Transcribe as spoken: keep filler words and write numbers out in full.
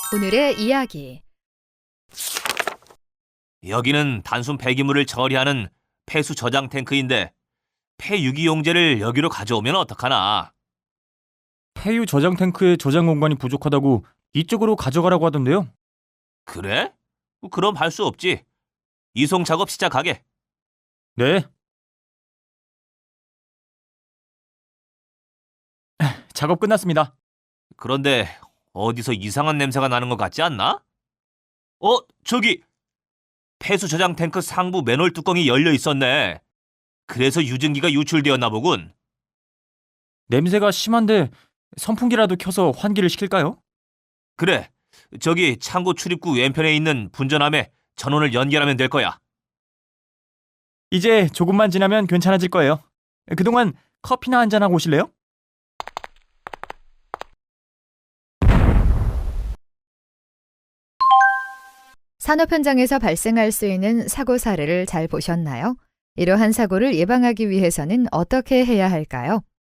오늘의 이야기. 여기는 단순 폐기물을 처리하는 폐수 저장 탱크인데 폐유기용제를 여기로 가져오면 어떡하나? 폐유 저장 탱크의 저장 공간이 부족하다고 이쪽으로 가져가라고 하던데요. 그래? 그럼 할 수 없지. 이송 작업 시작하게. 네. 작업 끝났습니다. 그런데 어디서 이상한 냄새가 나는 것 같지 않나? 어, 저기! 폐수 저장 탱크 상부 맨홀 뚜껑이 열려 있었네. 그래서 유증기가 유출되었나 보군. 냄새가 심한데 선풍기라도 켜서 환기를 시킬까요? 그래, 저기 창고 출입구 왼편에 있는 분전함에 전원을 연결하면 될 거야. 이제 조금만 지나면 괜찮아질 거예요. 그동안 커피나 한잔하고 오실래요? 산업 현장에서 발생할 수 있는 사고 사례를 잘 보셨나요? 이러한 사고를 예방하기 위해서는 어떻게 해야 할까요?